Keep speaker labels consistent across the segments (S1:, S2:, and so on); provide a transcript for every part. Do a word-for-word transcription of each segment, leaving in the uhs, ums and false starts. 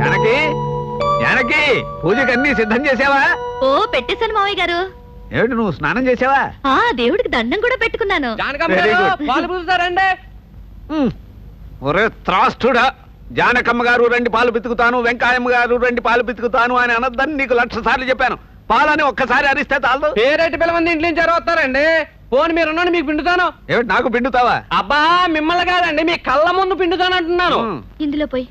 S1: జానకి జానకి పూజకి అన్ని సిద్ధం చేసావా?
S2: ఓ పెట్టేశాను మావయ్య గారు.
S1: ఏమిటి నువ్వు స్నానం చేసావా?
S2: ఆ దేవుడికి దండం కూడా పెట్టుకున్నాను.
S1: ఒరే త్రాస్తుడా, జానకమ్మ గారు రండి పాలు పితుకుతాను, వెంకాయమ్మ గారు రండి పాలు పితుకుతాను అని అనద్దని నీకు లక్ష సార్లు చెప్పాను. పాలని ఒక్కసారి అరిస్తే చాలు.
S3: పేరేటి పిల్లమంది ఇంట్లో నుంచి వస్తారండి. పోనీ మీరు ఉన్నాను మీకు పిండుతాను.
S1: ఏమిటి నాకు పిండుతావా?
S3: అబ్బా మిమ్మల్ని కాదండి, మీ కళ్ళ ముందు పిండుతాను అంటున్నాను.
S2: ఇందులో పోయి.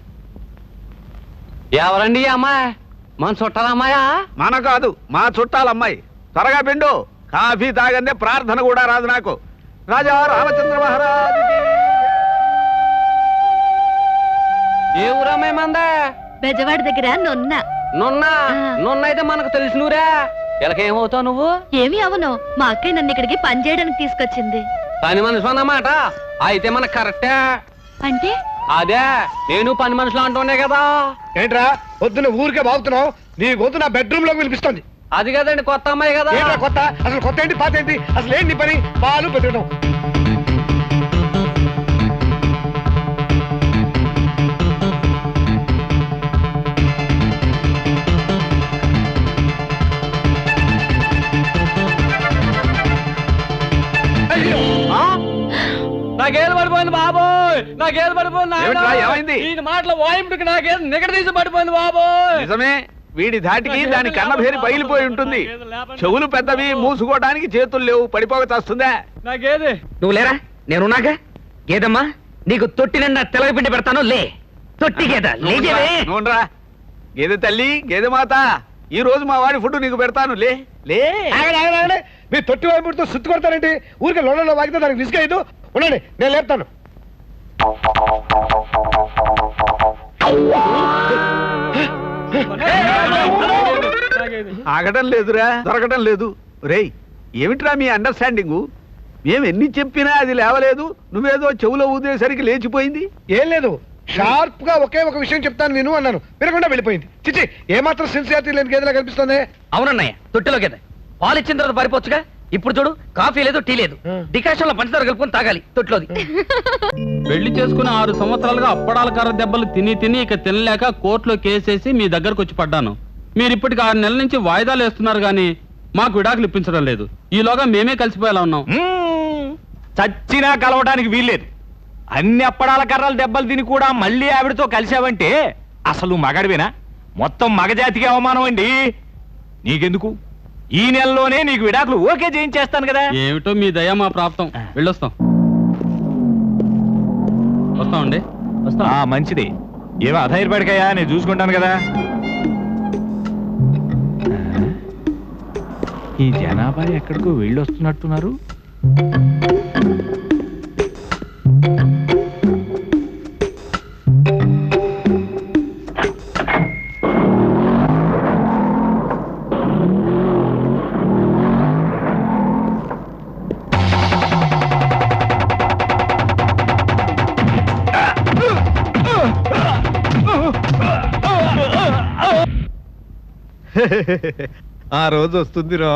S3: ఎవరండి అమ్మాయి? మన చుట్టాల అమ్మాయా?
S1: మన కాదు, మా చుట్టాలమ్మాయి. త్వరగా పిండు, కాఫీ తాగందే ప్రార్థన కూడా రాదు నాకు. రాజా రామచంద్ర మహారాజు.
S3: ఏ ఊరమ్మాయి మందే?
S2: బెజవాడ దగ్గర నొన్న.
S3: నున్న నున్న అయితే మనకు తెలిసినూరా. ఇలాకేమవుతావు నువ్వు?
S2: ఏమి అవను, మా అక్కయ్య నన్ను ఇక్కడికి పని చేయడానికి తీసుకొచ్చింది.
S3: పని మనిషి అన్నమాట. అయితే మనకు కరెక్టే.
S2: అంటే
S3: అదే నేను పని మనుషులు అంటున్నా కదా.
S4: ఏంట్రా పొద్దున్న ఊరికే బాగుతున్నావు? నీ గొంతు నా బెడ్రూమ్ లోకి వినిపిస్తుంది.
S3: అది కదండి కొత్త అమ్మాయి కదా.
S4: కొత్త అసలు కొత్త ఏంటి పాత ఏంటి? అసలు ఏంటి పని? పాలు పెతకడం.
S3: నాకేది పడిపోయింది బాబోయ్, నాకేది పడిపోయింది.
S1: ఏమైంది?
S3: ఈ మాటలు వాయింపుకి నాకేది నిగడ తీసి పడిపోయింది బాబోయ్.
S1: నిజమే, వీడి ధాటికి దాని కన్నభేరి బయలుపోయి ఉంటుంది. చెవులు పెద్దవి, మూసుకోవడానికి చేతులు లేవు, పడిపోక చేస్తుందా?
S3: నాకేది
S5: నువ్వు లేరా? నేనున్నాగా. గేదమ్మా, నీకు తొట్టి నిండా తెలగపిండి పెడతాను. లే తొట్టి గేద
S1: నూనరా. గేదె తల్లి, గేదె మాత, ఈ రోజు మా వాడి ఫుడ్ నీకు పెడతాను. లే లే.
S4: మీరు తొట్టి వైపుతో సుత్తు కొడతారండి. ఊరికే లోడలో వాగితే దానికి రిస్క్ అయ్యదు. ఉండండి, నేను లేపుతాను.
S1: ఆగటం లేదురా, దొరకటం లేదు. రేయ్, ఏమిట్రా మీ అండర్స్టాండింగు? మేము ఎన్ని చెప్పినా అది లేవలేదు, నువ్వేదో చెవులో ఊదేసరికి లేచిపోయింది.
S4: ఏం లేదు, షార్ప్ గా ఒకే ఒక విషయం చెప్తాను విను అన్నాను, వినకుండా వెళ్ళిపోయింది. చిచ్చి, ఏమాత్రం సిన్సియారిటీ లేని గేదెలా కనిపిస్తుంది.
S5: అవునన్నయ్య, తొట్టిలో గేదె. పాలు ఇచ్చిన తర్వాత పారిపోవచ్చుగా. ఇప్పుడు చూడు, కాఫీ లేదు, టీ లేదు, డికాషన్ లో పంచదార కలుపుకొని తాగాలి తొట్టిలోది.
S6: పెళ్లి చేసుకుని ఆరు సంవత్సరాలుగా అప్పడాల కర్ర దెబ్బలు తిని తిని ఇక తినలేక కోర్టులో కేసేసి మీ దగ్గరకు వచ్చి పడ్డాను. మీరు ఇప్పటికి ఆరు నెలల నుంచి వాయిదాలు వేస్తున్నారు గానీ మాకు విడాకులు ఇప్పించడం లేదు. ఈలోగా మేమే కలిసిపోయేలా ఉన్నాం.
S7: చచ్చినా కలవడానికి వీల్లేదు. అన్ని అప్పడాల కర్రలు దెబ్బలు తిని కూడా మళ్ళీ ఆవిడతో కలిసావంటే అసలు మగడివేనా? మొత్తం మగజాతికి అవమానం అండి. నీకెందుకు, ఈ నెలలోనే నీకు విడాకులు ఓకే చేయించేస్తాను కదా.
S6: ఏమిటో మీ దయ మా ప్రాప్తం. వెళ్ళొస్తాం. వస్తామండి.
S7: వస్తా. మంచిది. ఏమో అధైర్పడికయ్యా, నేను చూసుకుంటాను కదా. ఈ జనాభా ఎక్కడికో వెళ్ళొస్తున్నట్టున్నారు.
S1: ఆ రోజు వస్తుందిరా.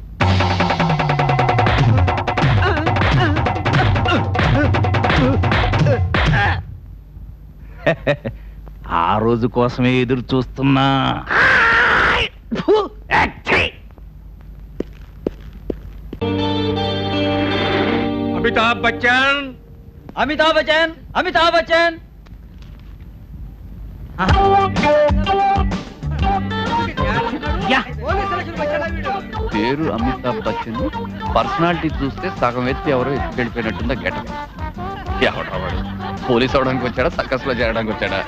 S7: ఆ రోజు కోసమే ఎదురు చూస్తున్నా.
S1: అమితాబ్ బచ్చన్,
S5: అమితాబ్ బచ్చన్, అమితాబ్ బచ్చన్.
S8: పేరు అమితాబ్ బచ్చన్, పర్సనాలిటీ చూస్తే సగం ఎత్తి ఎవరో ఎత్తి వెళ్ళిపోయినట్టుందా గెటప్. ఎవడవాడు పోలీస్ అవడానికి వచ్చాడా, సర్కస్ లో చేరడానికి వచ్చాడా?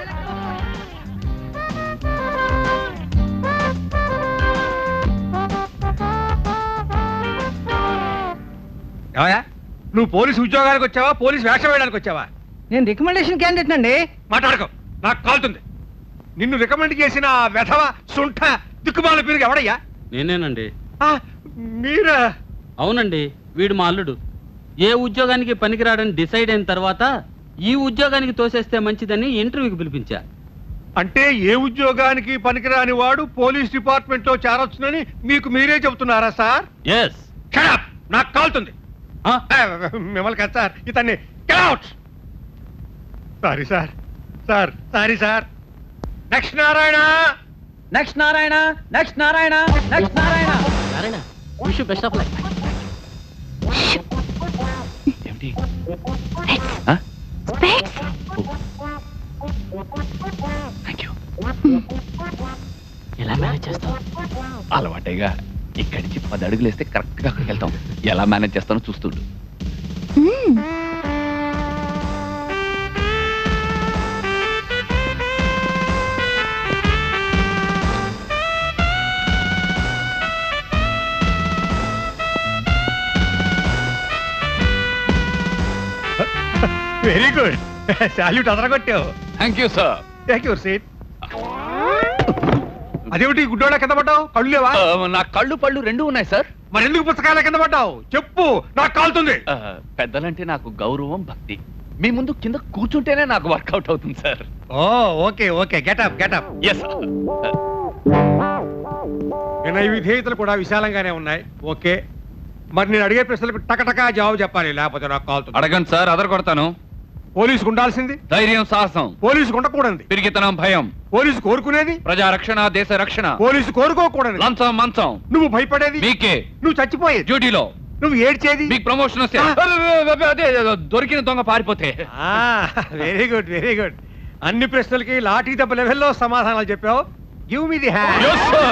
S4: నువ్వు పోలీసు ఉద్యోగానికి వచ్చావా, పోలీసు వేషం వేయడానికి వచ్చావా?
S5: నేను రికమెండేషన్ క్యాండిడేట్ అండి.
S4: మాట్లాడుకో, నాకు కాలుతుంది. నిన్ను రికమెండ్ చేసిన వెధవ సుంఠ దిక్కుమాల పేరు ఎవడయ్యా?
S6: నేనేనండి.
S4: మీరా?
S6: అవునండి, వీడు మా అల్లుడు. ఏ ఉద్యోగానికి పనికిరాడని డిసైడ్ అయిన తర్వాత ఈ ఉద్యోగానికి తోసేస్తే మంచిదని ఇంటర్వ్యూకి పిలిపించా.
S4: అంటే ఏ ఉద్యోగానికి పనికిరాని వాడు పోలీస్ డిపార్ట్మెంట్ లో చేరొచ్చునని మీకు మీరే చెబుతున్నారా సార్?
S6: ఎస్.
S4: నాకు కాలుతుంది. మిమ్మల్ని కదా సార్, ఇతన్ని sorry sir, sir sorry sir. Next Narayana
S5: next Narayana next Narayana next Narayana Narayana wish best of luck.
S8: ఏమిటి థ్యాంక్ యూ.
S5: ఎలా మేనేజ్ చేస్తావు?
S8: అలవాటేగా ఇక్కడి నుంచి పది అడుగులు వేస్తే కరెక్ట్ గా అక్కడికి వెళ్తాం. ఎలా మేనేజ్ చేస్తానో చూస్తుండు.
S4: వెరీ గుడ్ సాల్యూట్ అదరగొట్టావు.
S8: Thank you sir.
S4: Thank you seat. అదేమిటి గుడ్డోళ్ళ కింద పడ్డావు? కళ్ళు లేవా?
S8: నా కళ్ళు పళ్ళు రెండు ఉన్నాయి సార్.
S4: మరి ఎందుకు పుస్తకాల కింద పడ్డావు? చెప్పు, నాకు కాలుతుంది.
S8: ఆ, పెద్దలంటే నాకు గౌరవం భక్తి. మీ ముందు కింద కూర్చుంటేనే నాకు వర్కౌట్ అవుతుంది సార్.
S4: Oh okay okay getup getup.
S8: Yes
S4: వినయ విధేయతలు కూడా విశాలంగానే ఉన్నాయి. ఓకే, మరి నేను అడిగే ప్రశ్నలకు టకటకా జవాబు చెప్పాలి, లేకపోతే నాకు కాలుతుంది.
S8: అడగండి సార్, అదర కొడతాను.
S4: పోలీసుకు ఉండాల్సింది
S8: ధైర్యం సాహసం,
S4: పోలీసుకు ఉండకూడదు.
S8: పిరిగితనం భయం,
S4: పోలీసు కోరుకునేది
S8: ప్రజా రక్షణ దేశ రక్షణ,
S4: పోలీసు కోరుకోకూడదు.
S8: లంచం మంచం
S4: నువ్వు భయపడేది
S8: మీకే,
S4: నువ్వు చచ్చిపోయేది,
S8: డ్యూటీలో
S4: నువ్వు ఏడ్చేది.
S8: మీకు ప్రమోషన్ వస్తే
S4: ఆ.
S8: అదే, అదే, అదే, దొరికిన దొంగ పారిపోతే.
S4: Very good very good. అన్ని ప్రశ్నలకి లాఠీ దెబ్బ లెవెల్లో సమాధానాలు చెప్పావు. Give me the hand.
S8: Yes, sir.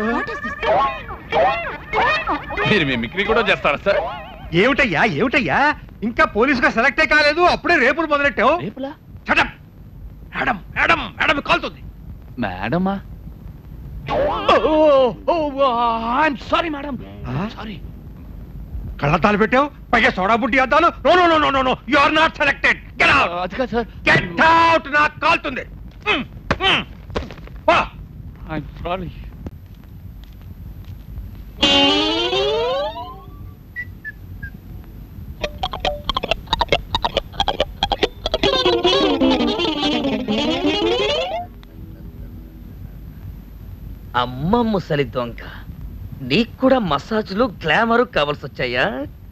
S8: మీరు మిమిక్రీ కూడా చేస్తారా సార్?
S4: ఏమిటయ్యా ఏమిటయ్యా ఇంకా పోలీసుగా సెలెక్టే కాలేదు, అప్పుడే రేపులు మొదలెట్టావు.
S8: రేపులా?
S4: Shut up. Madam madam madam కాలుతుంది.
S8: మేడమా? Sorry madam, sorry.
S4: కళ్ళద్దాలు పెట్టావు, పైగా సోడా బుట్టి అద్దాలు. No no no no no no you are not selected. Get out.
S8: అది కాదు సార్.
S4: Get out. నాకు కాలుతుంది. మ్, మ్. వా.
S8: I'm sorry.
S5: అమ్మ ముసలి దొంగ, నీకు కూడా మసాజ్లు గ్లామరు కావాల్సి వచ్చాయా?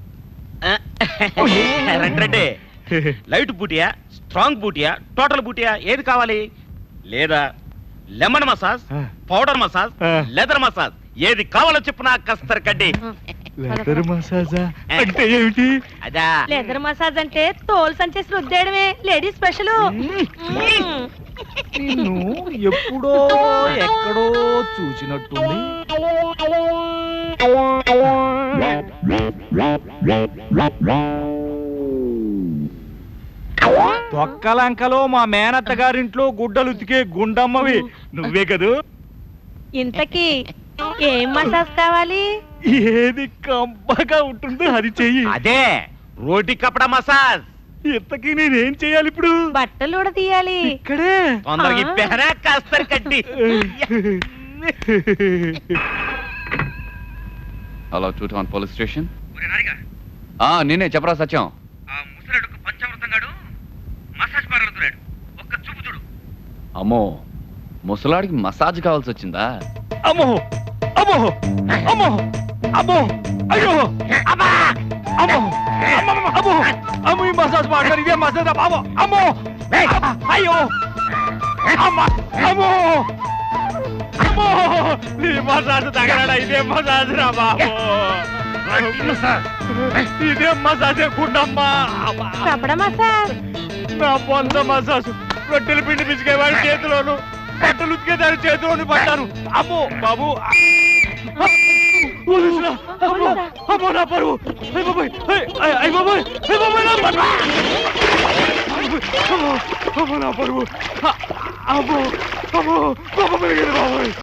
S9: రండి లైట్ బూటియా, స్ట్రాంగ్ బూటియా, టోటల్ బూటియా, ఏది కావాలి? లేదా lemon massage, powder massage, leather massage, ఏది కావాలో చెప్పు నా కస్తర్ కడ్డి.
S7: లెదర్ మసాజా అంటే ఏమిటి?
S9: అదా
S2: లెదర్ మసాజ్ అంటే తోలు సంచేసి రుద్దేయడమే, లేడీస్ స్పెషల్.
S7: నిన్ను ఎప్పుడో ఎక్కడో చూసినట్టుంది. తొక్కలంకలో మా మేనత్త గారింట్లో గుడ్డలు ఉతికే గుండమ్మవి నువ్వే కదూ?
S2: ఇంతకీ ఏం మసాజ్ కావాలి?
S7: ఏది కంపగా ఉంటుందో అది చెయ్యి.
S9: అదే రోటి కపడా మసాజ్.
S7: ఇంతకీ నేనేం చెయ్యాలి ఇప్పుడు?
S2: బట్టలు కూడా తీయాలి.
S7: ఇక్కడే
S9: తొందరగా ఇప్పేరా కస్తర్ కడ్డి.
S8: Hello two town police station. నేనే చెప్పరా సత్యం. అమ్మో, ముసలాడికి మసాజ్ కావాల్సి వచ్చిందా?
S7: అమ్మో అమ్మో అమ్మో అమ్మో అయ్యో అమ్మా అమ్మో అమ్మో అమ్మో అమ్మో ఈ మసాజ్ మాట్లాడు, ఇదే మసాజ్ బాబు. అమ్మో అయ్యో అమ్మా అమ్మో అమ్మో ఈ మసాజ్ తగలడా, ఇదే మసాజ్ రా బాబు. ఇదే మసాజ్ గుండమ్మా.
S2: కపడ మసాజ్.
S7: నా పొంద మసాజ్ రొట్టెలు పిండి పిసికేవాడి చేతిలోను, బట్టలు ఉతికే దాని చేతిలోను పడ్డాను. అమ్మో బాబు, అమ్మో అమ్మో నా పరువు. అయ్య బాబాయ్, అయ్య బాబాయ్, అయ్య బాబాయ్ నా పరువు. అమ్మో అమ్మో నా పరువు. అమ్మో అమ్మో బాబు బాబాయ్.